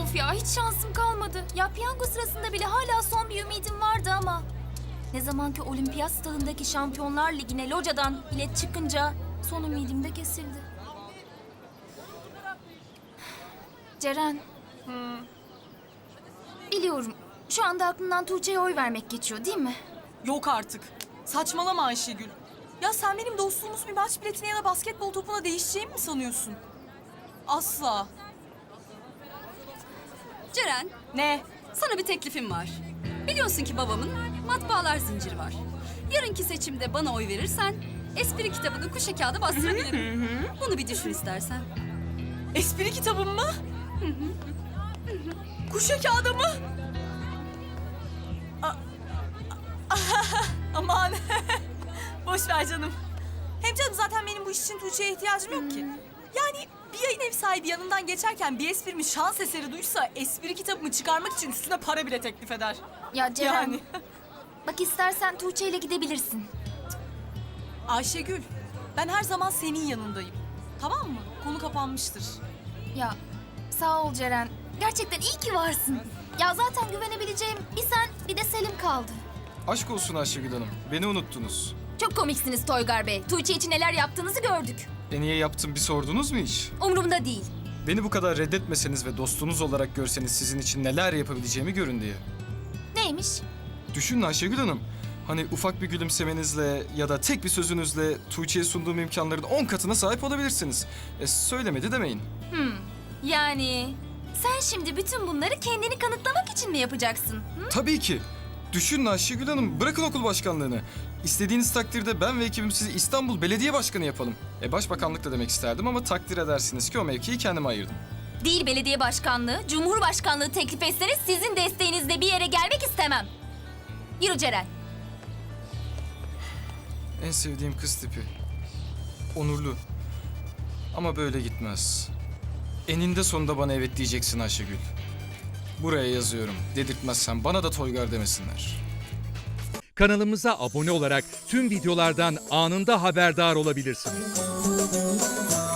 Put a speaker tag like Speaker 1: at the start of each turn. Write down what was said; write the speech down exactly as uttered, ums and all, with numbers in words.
Speaker 1: Of ya, hiç şansım kalmadı. Ya piyango sırasında bile hala son bir ümidim vardı ama... Ne zaman ki olimpiyat stadındaki Şampiyonlar Ligi'ne locadan bilet çıkınca son ümidim de kesildi. Ceren. Biliyorum. Şu anda aklından Tuğçe'ye oy vermek geçiyor değil mi?
Speaker 2: Yok artık. Saçmalama Ayşegül. Ya sen benim dostluğumuz bir maç biletine ya da basketbol topuna değişeceğimi mi sanıyorsun? Asla.
Speaker 3: Ceren,
Speaker 2: Ne?
Speaker 3: sana bir teklifim var. Biliyorsun ki babamın matbaalar zinciri var. Yarınki seçimde bana oy verirsen espri kitabını kuşe kağıda bastırabilirim. Bunu bir düşün istersen.
Speaker 2: Espri kitabım mı? Kuşa kağıdı mı? A- Aman. Boş ver canım. Hem canım zaten benim bu iş için Tuğçe'ye ihtiyacım yok ki. Yani bir yayın ev sahibi yanından geçerken bir esprimi şans eseri duysa espri kitabımı çıkarmak için üstüne para bile teklif eder.
Speaker 1: Ya Ceren,
Speaker 2: Yani.
Speaker 1: bak istersen Tuğçe ile gidebilirsin.
Speaker 2: Ayşegül, ben her zaman senin yanındayım. Tamam mı? Konu kapanmıştır.
Speaker 1: Ya sağ ol Ceren. Gerçekten iyi ki varsın. Ya zaten güvenebileceğim bir sen bir de Selim kaldı.
Speaker 4: Aşk olsun Ayşegül Hanım. Beni unuttunuz.
Speaker 1: Çok komiksiniz Toygar Bey. Tuğçe için neler yaptığınızı gördük.
Speaker 4: E niye yaptım bir sordunuz mu hiç?
Speaker 1: Umurumda değil.
Speaker 4: Beni bu kadar reddetmeseniz ve dostunuz olarak görseniz sizin için neler yapabileceğimi görün diye.
Speaker 1: Neymiş?
Speaker 4: Düşünün Ayşegül Hanım. Hani ufak bir gülümsemenizle ya da tek bir sözünüzle Tuğçe'ye sunduğum imkanların on katına sahip olabilirsiniz. E söylemedi demeyin.
Speaker 1: Hmm. Yani sen şimdi bütün bunları kendini kanıtlamak için mi yapacaksın? Hı?
Speaker 4: Tabii ki. Düşünün Ayşegül Hanım, bırakın okul başkanlığını. İstediğiniz takdirde ben ve ekibim sizi İstanbul Belediye Başkanı yapalım. E başbakanlık da demek isterdim ama takdir edersiniz ki o mevkiyi kendime ayırdım.
Speaker 1: Değil belediye başkanlığı, cumhurbaşkanlığı teklif etseniz sizin desteğinizle bir yere gelmek istemem. Yürü Ceren.
Speaker 4: En sevdiğim kız tipi. Onurlu. Ama böyle gitmez. Eninde sonunda bana evet diyeceksin Ayşegül. Buraya yazıyorum. Dedirtmezsen bana da Toygar demesinler.
Speaker 5: Kanalımıza abone olarak tüm videolardan anında haberdar olabilirsiniz.